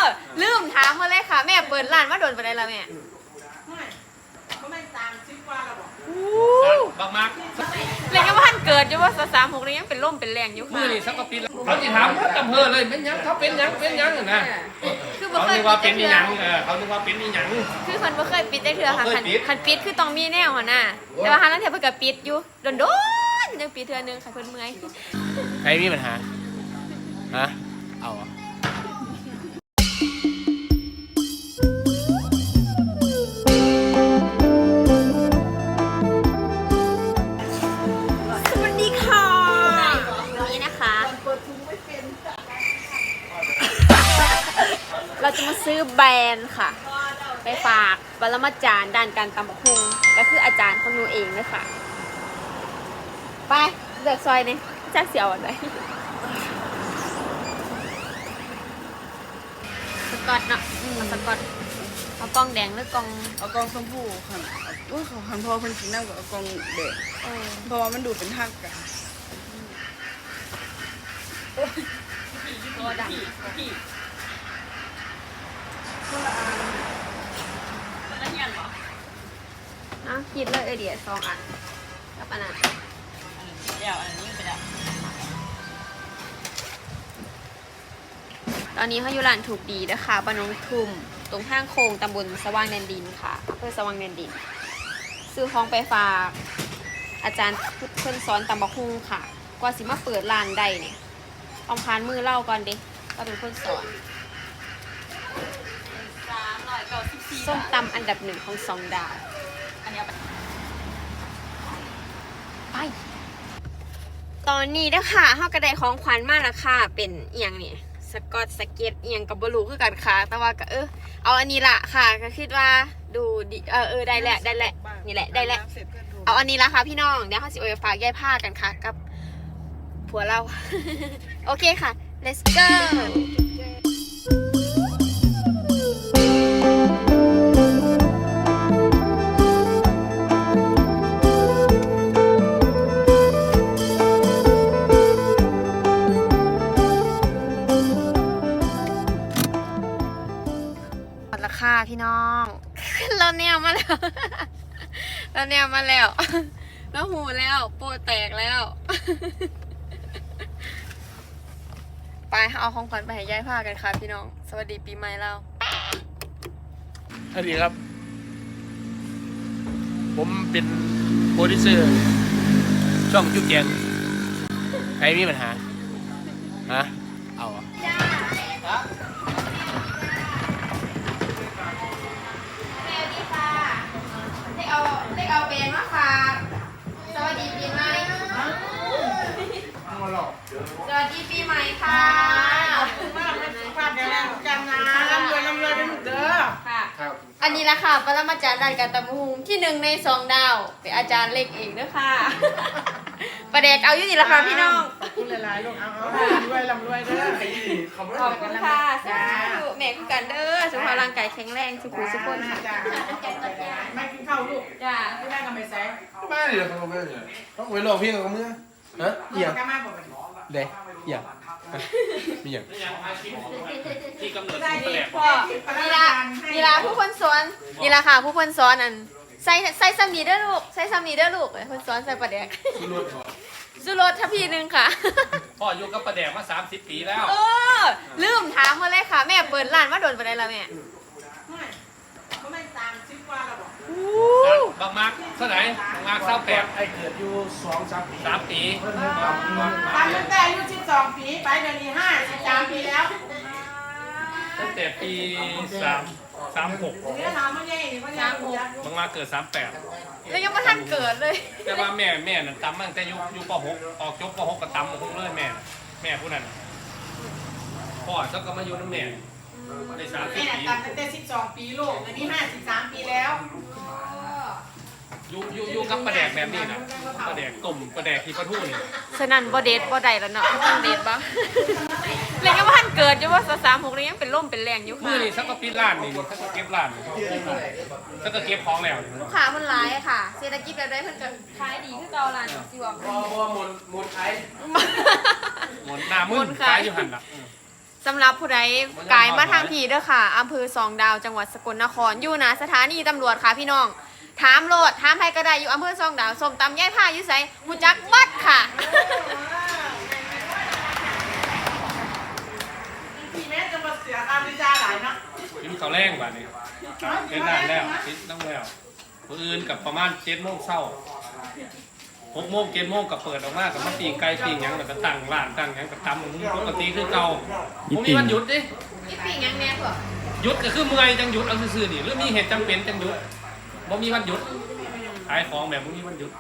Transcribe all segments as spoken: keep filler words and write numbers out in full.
ลืมถามมาเลยค่ะแม่เปิดร้านมาโดนไปได้แล้วแม่ไม่ก็ไม่ตามชิปว่าเราบอกบางมากเลยยังว่าท่านเกิดอยู่ว่าสามหกเลยยังเป็นร่มเป็นแรงอยู่ค่ะมือนี่สักกปีแล้วเขาจะถามจำเพอเลยเป็นยังเขาเป็นยังเป็นยังนะคือเขาคิดว่าเป็นยังเขาคิดว่าเป็นยังคือคนบ่เคยปิดได้เถื่อค่ะคันคันปิดคือต้องมีแนวหัวหน้าแต่ว่าฮานั้นเถื่อเพิ่นก็ปิดอยู่โดนโดนยังปิดเถื่อนึงค่ะเพิ่นเมื่อยใครมีปัญหาฮะเอาเราจะมาซื้อแบรนด์ค่ะไปฝากปรมาจารย์ด้านการตำบักหุ่งก็คืออาจารย์ของหนูเองเลยค่ะไปเลือกซอยนี่จักเสียวอะไรสกอตเนาะเอาสกอตเอากล่องแดงหรือกล่องเอากองชมพูค่ะว่าเขาคันพอคนกินน้ำกับเอากองแดงเพราะว่ามันดูเป็นหักกันตัวดำนะคิดเลยไอเดียสองอันกับอันนั้นเดี๋ยวอันนี้ไปแล้วตอนนี้เขาอยู่ร้านถูกดีนะคะบ้านน้องทุ่มตรงห้างโค้งตำบลสว่างแดนดินค่ะอำเภอสว่างแดนดินซื้อของไปฝากอาจารย์เพิ่นสอนตำบักหุ่งค่ะกว่าสิมาเปิดร้านได้เนี่ยเอาพานมือเล่าก่อนดิก็เป็นคนสอนส้มตำอันดับหนึ่งของสองดาวไปตอนนี้นะคะเฮากระไดของขวัญมากแล้วค่ะเป็นเอียงนี่สกอตสเก็ตเอียงกับบลูคือกันค่ะแต่ว่าก็เออเอาอันนี้ละค่ะก็คิดว่าดูดีเออเออได้แหละได้แหละนี่แหละได้แหละเอาอันนี้ละค่ะพี่น้องเดี๋ยวเขาสิเอาไปฝากยายผ้ากันค่ะกับผัวเรา โอเคค่ะ let's goราคาพี่น้องเราแนวมาแล้วเราแนวมาแล้วแล้วหูแล้วโปแตกแล้วไปเอาของขวัญไปให้ยายผ้ากันค่ะพี่น้องสวัสดีปีใหม่เราสวัสดีครับผมเป็นโปรดิวเซอร์ช่องจุ๊กแจงใครมีปัญหาฮะเอาอ่ะเอาเล็กเอาเบนมาฝากสวัสดีปีใหม่สวัสดีปีใหม่ค่ะขอบคุณมากเลยฝากแกแรงกันนะร่ำรวยร่ำรวยเป็นเด้อค่ะอันนี้ละค่ะปรมาจารย์ด้านการตำบักหุ่งที่หนึ่งในสองดาวเป็นอาจารย์เล็กเองด้วยค่ะประเด็กเอาอยู่นี่ละค่ะพี่น้องขอบคุณหลายๆลูกเอาเอาร่ำรวยร่ำรวยเด้อขอบคุณค่ะสาธุแม่คุณกันเด้อสุขภาพร่างกายแข็งแรงสุขุมสุขคนค่ะไม่กินข้าวลูกจ้าไม่ได้กันไปแซ่ไม่เดี๋ยวเขาไม่เดี๋ยวต้องไปลองเพียงกับมือฮะเหี้ยเด็กเหี้ยมีอย่างที่กำเนิดที่แปลกพ่อนี่ละนี่ละผู้คนสอนนี่ละค่ะผู้คนสอนอันใส่ใส่ซัมนีเด้อลูกใส่ซัมนีเด้อลูกคนสอนใส่ประเด็กสุรสทัพพีนึงค่ะพ่ออยู่กับประเด็กมาสามสิบปีแล้วเออลืมถามมาเลยค่ะแม่เปิดร้านมาโดนไปได้แล้วแม่ไม่ก็ไม่ตามชิปว่าเราบอกบางมากเท่าไหร่บางมากเศร้าแปดไอเกิดอยู่สองสามปีสามปีตามตั้งแต่อายุสิบสองปีไปเดือนนี้ห้าสิบสามปีแล้วตั้งแต่ปีสามสามหกนี่ถามมันยังไงมันยังหกบางมาเกิดสามแปดแล้วยังไม่ทันเกิดเลยแต่ว่าแม่แม่นั่นตำตั้งแต่ยุคยุคปหกออกจบปหกก็ตำหกเลยแม่แม่ผู้นั้นพ่อเจ้าก็มาอยู่น้ำแม่ในสามสิบปีแม่ตำตั้งแต่สิบสองปีลูกอันนี้ห้าสิบสามปีแล้วยูยูยูกับประแดกแบบนี้นะประแดกตุ่มประแดกที่ประทูนี่ฉะนั้นบ่เด็ดบ่ได้แล้วเนาะต้องเด็ดบ้างเลยยังไม่ทันเกิดอยู่ว่าสามหกเลยยังเป็นร่มเป็นแรงอยู่ค่ะมือนี่สักก็ปิดร้านนี่สักก็เก็บร้านสักก็เก็บของแล้วลูกค้ามันร้ายค่ะเศรษฐกิจแบบได้เพิ่นก็ขายดีคือเก่าร้านสิว่าพอพอหมุนหมุนไอ้หมุนหน้ามือขายอยู่หันละสำหรับผู้ใดกายมาทางพีเด้อค่ะอำเภอสองดาวจังหวัดสกลนครอยู่นะสถานีตำรวจค่ะพี่น้องถามโลดถามใครก็ได้อยู่อำเภอสองดาวส้มตำย่ายผ้าอยู่ไสหูจักบัดค่ะพี่แม่จะมาเสียการวิจารณ์หลายเนาะกินข้าวแรงบ้านนี้เล่นได้แล้วติดต้องแล้วคนอื่นกับประมาณเจ็ดโมงเช้าหกโมงเจ็ดโมงกับเปิดออกมากับมาปีงไก่ปีงหยังแล้วก็ตั้งร้านตั้งหยังกับตำมึงปกติคือเก่าผมมีวันหยุดดินี่ปีกยังแน่กว่าหยุดก็คือเมื่อยจังหยุดเอาซื่อๆนี่หรือมีเหตุจำเป็นจังหยุดบ่มีวันหยุดขายของแบบบ่มีวันหยุด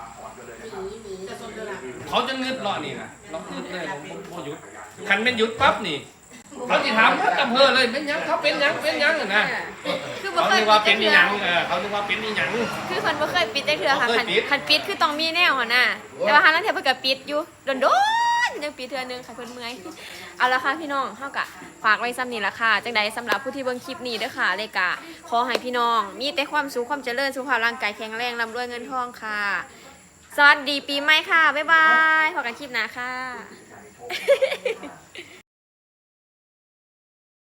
เขาจะเงืดรอนี่นะเราเงืดเลยผมบ่หยุดคันเป็นหยุดปั๊บนี่เขาจะถามว่าอำเภอเลยเป็นหยังเขาเป็นหยังเป็นหยังนะคือบ่เขาเคยคิดปิว่าดเป็จันกอีเทื่หยัองเออเขาคิดว่าเป็นอีหยังคือคนบ่เคยปิดจักเทื่อค่ะบ่เคคัยนปิดคันปิดคือต้องมีแนวหัวหน้าแต่ว่าหานั้นเทื่อเพิ่นก็ปิดอยู่โดนๆยังปิดเทื่อนึงค่ะเพิ่นเมื่อยเอาละค่ะพี่น้องเฮาก็ฝากไว้ซ้ำนี้ละค่ะจังใดสำหรับผู้ที่เบิ่งคลิปนี้เด้อค่ะเลยกะขอให้พี่น้องมีแต่ความสุขความเจริญสุขภาพร่างกายแข็งแรงร่ำรวยเงินทองค่ะ สวัสดีปีใหม่ค่ะ บ๊ายบายพบกันคลิปหน้าค่ะ